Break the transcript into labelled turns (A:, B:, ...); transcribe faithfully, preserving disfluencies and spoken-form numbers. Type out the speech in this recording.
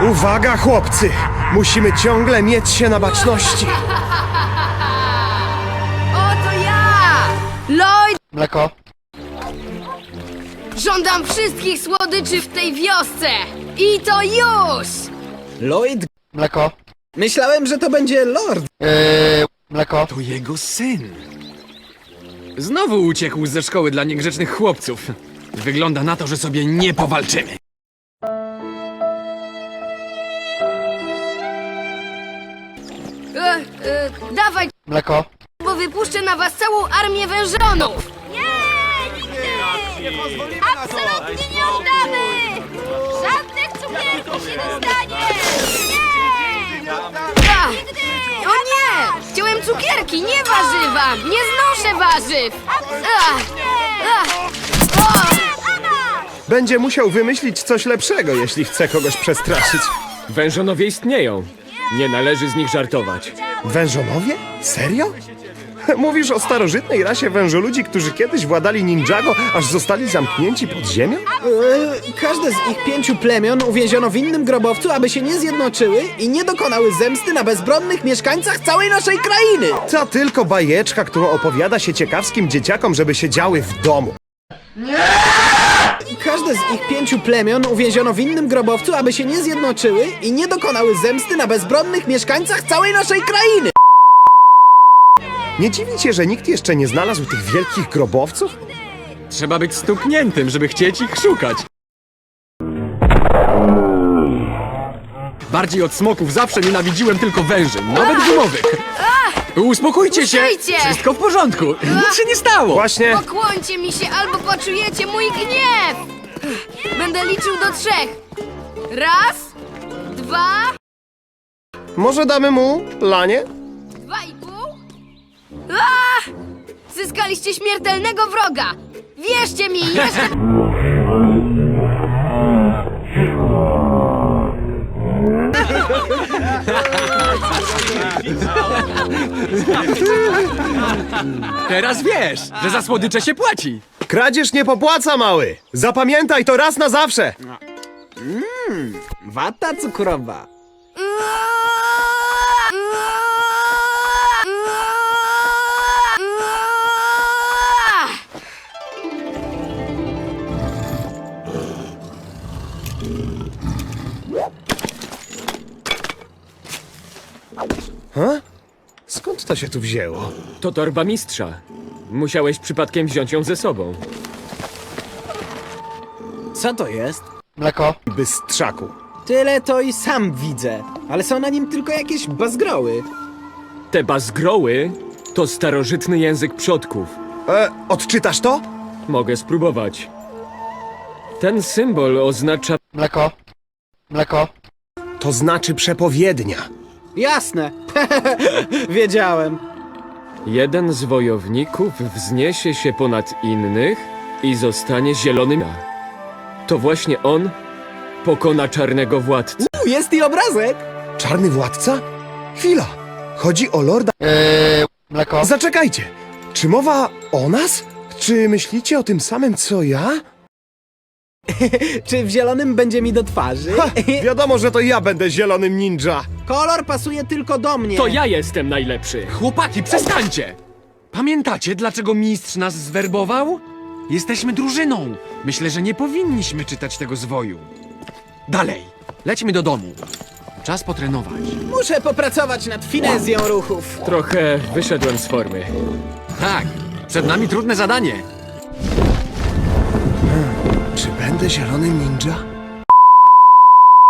A: Uwaga, chłopcy! Musimy ciągle mieć się na baczności.
B: Oto ja! Lloyd!
C: Mleko.
B: Żądam wszystkich słodyczy w tej wiosce! I to już!
D: Lloyd?
C: Mleko.
D: Myślałem, że to będzie Lord.
C: Yy, mleko.
E: To jego syn. Znowu uciekł ze szkoły dla niegrzecznych chłopców. Wygląda na to, że sobie nie powalczymy.
B: E, e, dawaj,
C: Mleko.
B: bo wypuszczę na was całą armię wężonów!
F: Nie, nigdy! Absolutnie nie oddamy! Żadnych cukierków się dostanie! Nie!
B: A, o nie! Chciałem cukierki, nie warzywa! Nie znoszę warzyw! A, a, o!
A: Będzie musiał wymyślić coś lepszego, jeśli chce kogoś przestraszyć.
G: Wężonowie istnieją. Nie należy z nich żartować.
A: Wężonowie? Serio? Mówisz o starożytnej rasie wężoludzi, którzy kiedyś władali ninjago, aż zostali zamknięci pod ziemią?
D: Eee, każde z ich pięciu plemion uwięziono w innym grobowcu, aby się nie zjednoczyły i nie dokonały zemsty na bezbronnych mieszkańcach całej naszej krainy!
A: To tylko bajeczka, którą opowiada się ciekawskim dzieciakom, żeby siedziały w domu.
D: Każde z ich pięciu plemion uwięziono w innym grobowcu, aby się nie zjednoczyły i nie dokonały zemsty na bezbronnych mieszkańcach całej naszej krainy!
A: Nie dziwi cię, że nikt jeszcze nie znalazł tych wielkich grobowców?
E: Trzeba być stukniętym, żeby chcieć ich szukać. Bardziej od smoków zawsze nienawidziłem tylko węży, nawet gumowych. Uspokójcie się!
B: Puszczajcie!
E: Wszystko w porządku! Nic się nie stało!
A: Właśnie.
B: Pokłońcie mi się albo poczujecie mój gniew! Będę liczył do trzech. Raz, dwa,
A: Może damy mu lanie?
B: dwa i pół. A! Zyskaliście śmiertelnego wroga! Wierzcie mi, jeszcze...
E: Teraz wiesz, że za słodycze się płaci!
A: Kradzież nie popłaca, mały! Zapamiętaj to raz na zawsze!
D: Wata cukrowa.
A: Skąd to się tu wzięło?
G: To torba mistrza. Musiałeś przypadkiem wziąć ją ze sobą.
D: Co to jest?
C: Mleko.
A: Bystrzaku.
D: Tyle to i sam widzę, ale są na nim tylko jakieś bazgroły.
G: Te bazgroły to starożytny język przodków.
A: E, odczytasz to?
G: Mogę spróbować. Ten symbol oznacza...
C: Mleko. Mleko.
A: To znaczy przepowiednia.
D: Jasne. Wiedziałem.
G: Jeden z wojowników wzniesie się ponad innych i zostanie zielonym. To właśnie on pokona czarnego władcę.
D: U, jest i obrazek.
A: Czarny władca? Chwila. Chodzi o lorda...
C: Yy, mleko.
A: Zaczekajcie. Czy mowa o nas? Czy myślicie o tym samym, co ja?
D: Czy w zielonym będzie mi do twarzy?
A: Ha, wiadomo, że to ja będę zielonym ninja.
D: Kolor pasuje tylko do mnie.
G: To ja jestem najlepszy.
E: Chłopaki, przestańcie! Pamiętacie, dlaczego mistrz nas zwerbował? Jesteśmy drużyną. Myślę, że nie powinniśmy czytać tego zwoju. Dalej, lećmy do domu. Czas potrenować.
D: Muszę popracować nad finezją ruchów.
G: Trochę wyszedłem z formy.
E: Tak, przed nami trudne zadanie.
A: Czy będę zielonym ninja?